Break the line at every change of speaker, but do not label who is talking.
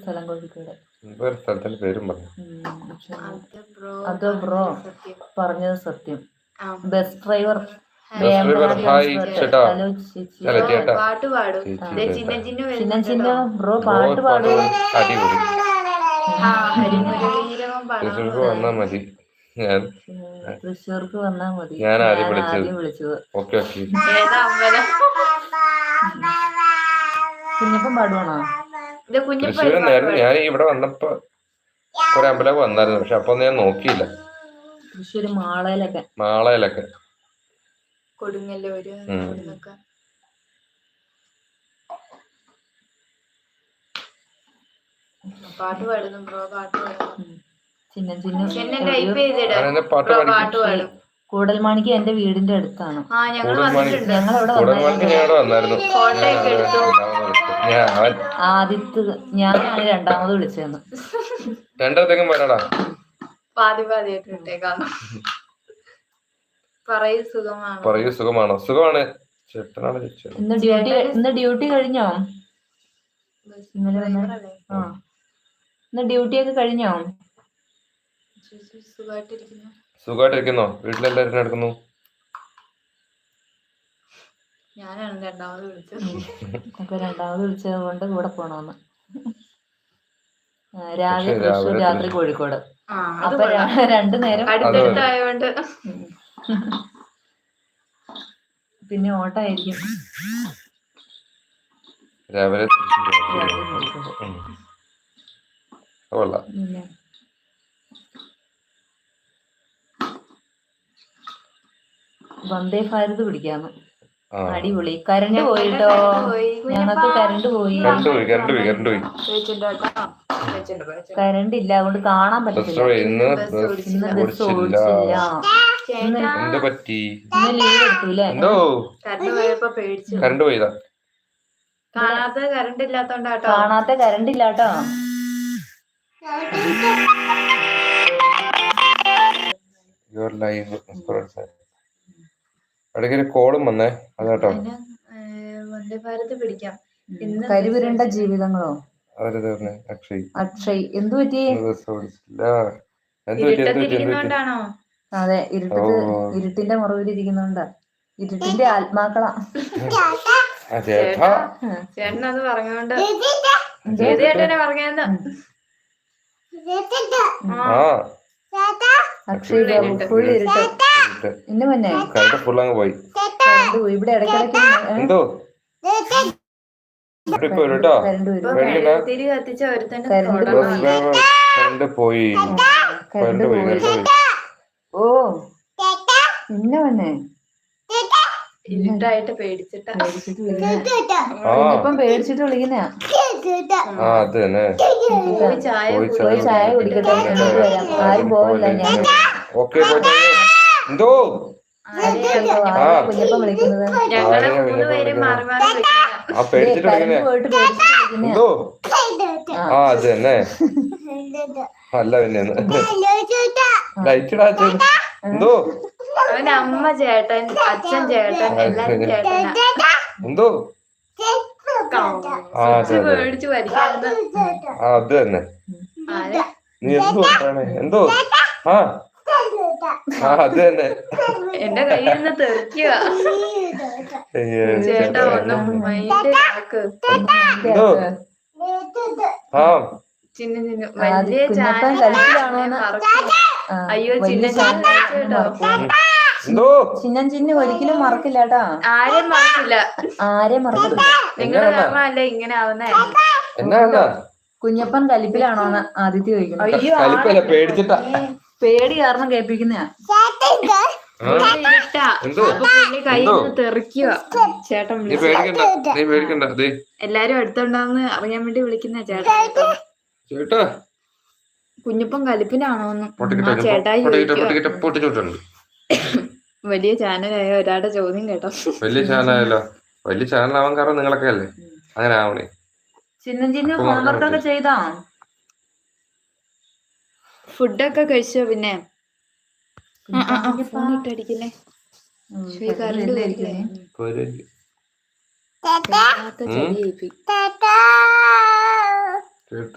സ്ഥലം കോഴിക്കോട്.
സ്ഥലത്തിന്റെ പേരും പറഞ്ഞു.
അത് ബ്രോ പറഞ്ഞത് സത്യം. ബസ് ഡ്രൈവർ
പാട്ട് പാടും.
ചിന്ന ചിന്ന ബ്രോ പാട്ട് പാടും.
വന്നാ മതി.
തൃശ്ശൂർക്ക് വന്നാ മതി.
ഞാൻ ആദ്യം
വിളിച്ചത്.
ഓക്കെ
കുഞ്ഞപ്പം പാടുവാണോ?
തൃശ്ശൂരായിരുന്നു. ഞാൻ ഇവിടെ വന്നപ്പോ കുറെ അമ്പലമൊക്കെ വന്നായിരുന്നു. പക്ഷെ അപ്പൊ ഞാൻ നോക്കിയില്ല.
തൃശ്ശൂര് മാളയിലൊക്കെ
കൊടുങ്ങല്ലൂര് പാട്ട് പാടുന്നു ബ്രോ. പാട്ട് പാടും.
കൂടൽമാണിക്ക് എന്റെ വീടിന്റെ അടുത്താണ്. ആദ്യത്തെ ഞാനാണ് രണ്ടാമത് വിളിച്ചതെന്ന്.
രണ്ടാമത്തേക്കും വരാടാ. പറയൂ സുഖമാണോ? സുഖമാണ്.
ഇന്ന് ഡ്യൂട്ടി കഴിഞ്ഞോ? ഇന്ന് ഡ്യൂട്ടി ഒക്കെ കഴിഞ്ഞോ?
സുഖമായിട്ടിരിക്കുന്നോ? വീട്ടിലെല്ലാവരും നടക്കുന്നു?
ഞാനാണ് രണ്ടാമത്
വിളിച്ചത് കൊണ്ട് കൂടെ പോണോന്ന്. രാവിലെ തൃശ്ശൂർ, രാത്രി കോഴിക്കോട്. അപ്പൊ 2 നേരം
അടുത്തടുത്തായോണ്ട്
പിന്നെ ഓട്ടായിരിക്കും.
രാവിലെ
വന്ദേ ഭാരത് പിടിക്കാന്ന്. അടിപൊളി. കരണ്ട് പോയിട്ടോ. ഞങ്ങൾക്ക് കരണ്ട് പോയി. കരണ്ട് ഇല്ല, അതുകൊണ്ട് കാണാൻ പറ്റില്ല. ഇന്ന് ബസ് ഓടിച്ചില്ല. ഇന്ന് ലീവ് എടുത്തൂല്ലേ?
കരണ്ട് പോയതാ.
കാണാത്ത
കരണ്ട് ഇല്ലാട്ടോ.
ഇടയ്ക്കൊരു കോളും വന്നേ, അതാട്ടോ.
വന്ദേ ഭാരത് പിടിക്കാം.
കരിവിരണ്ട ജീവിതങ്ങളോ? അക്ഷയ് എന്തു പറ്റി? അതെ, ഇരുട്ടിന്റെ മറവിലിരിക്കുന്നോണ്ടാ. ഇരുട്ടിന്റെ ആത്മാക്കളാ.
ചേട്ടനത് പറഞ്ഞോണ്ട് ചേട്ടനെ പറഞ്ഞെന്ന്.
അക്ഷയ് ഫുൾ ഇരുട്ട്. ഇന്ന് മുന്നേ
ഫുള്ളങ്ങ് പോയി.
ഇവിടെ ഇടയ്ക്കിടയ്ക്ക്
തിരി കത്തിച്ച ഒരുത്തന്നെ
പോയി.
ഓ ഇന്ന മുന്നേ
ഇരുട്ടായിട്ട് പേടിച്ചിട്ട്
വിളിക്കുന്ന.
പോയി
ചായ കുടിക്കട്ടെ, എന്നിട്ട് വരാം. ആരും പോവില്ല. ഞാൻ കുഞ്ഞപ്പം വിളിക്കുന്നത്.
അല്ല പിന്നെ എന്തോ
അമ്മ ചേട്ടൻ, അച്ഛൻ ചേട്ടൻ, എല്ലാരും ചേട്ടൻ.
എന്തോ
പേടിച്ചു വരികയാണ്.
അത് തന്നെ. നീ എന്തോ അത് തന്നെ.
എന്റെ കയ്യിൽ നിന്ന് തെറിക്കുക. ചേട്ടാ ഒന്നും മൈൻഡ് ആക്ക്. ചിന്ന ചിന്ന വലിയ അയ്യോ ചിന്ന
ചിന്ന ഒരിക്കലും മറക്കില്ല കേട്ടാ.
ആരെയും മറക്കില്ല. നിങ്ങള് കാരണമല്ല ഇങ്ങനെ ആവുന്നേ.
കുഞ്ഞപ്പൻ കലിപ്പിലാണോന്ന് ആദിത്യ ചോദിക്കുന്നത്.
അയ്യോ
പേടി കാരണം കേൾപ്പിക്കുന്നയാ.
കയ്യിൽ നിന്ന് തെറിക്കുക. ചേട്ടൻ എല്ലാരും അടുത്തുണ്ടാവുന്ന അറിയാൻ വേണ്ടി വിളിക്കുന്ന ചേട്ടാ. കുഞ്ഞപ്പൻ കലിപ്പിലാണോന്ന് ചേട്ടായി വലിയ ചാനലായ ഒരാളുടെ ചോദ്യം കേട്ടോ.
വലിയ ചാനലായല്ലോ. വലിയ ചാനലാവാൻ കാരണം നിങ്ങളൊക്കെ അല്ലേ. അങ്ങനെ ആവണേ.
ചിന്ന ഹോംവർക്കൊക്കെ ചെയ്താ?
ഫുഡൊക്കെ കഴിച്ചോ? പിന്നെ ഫോണിട്ടടിക്കില്ലേ? കറണ്ട്